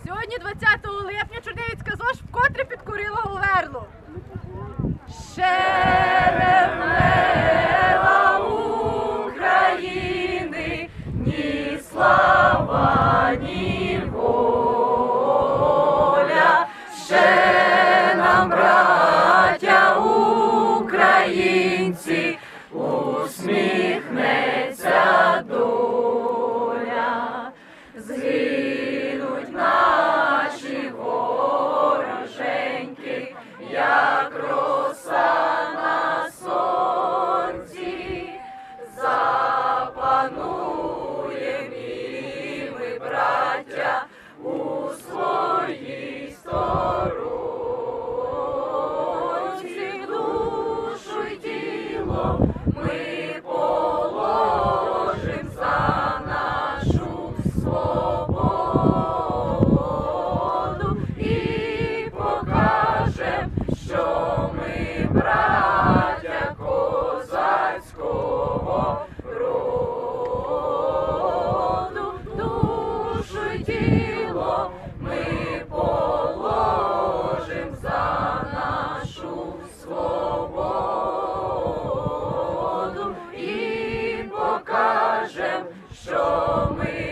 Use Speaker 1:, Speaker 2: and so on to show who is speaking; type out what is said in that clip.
Speaker 1: Сьогодні, 20 липня, Чернігівська ЗОЖ вкотре підкорила Говерлу. Ще не вмерла України ні слава, ні воля. Ще нам, браття українці, усміхнеться доля. Згинуть наші вороженьки, як роса на сонці. Запануєм і ми, браття, у своїй сторонці. Душу й тіло ми положим за нашу свободу і покажем, що ми браття козацького роду. Душу й тіло ми положим за нашу свободу і покажем, що ми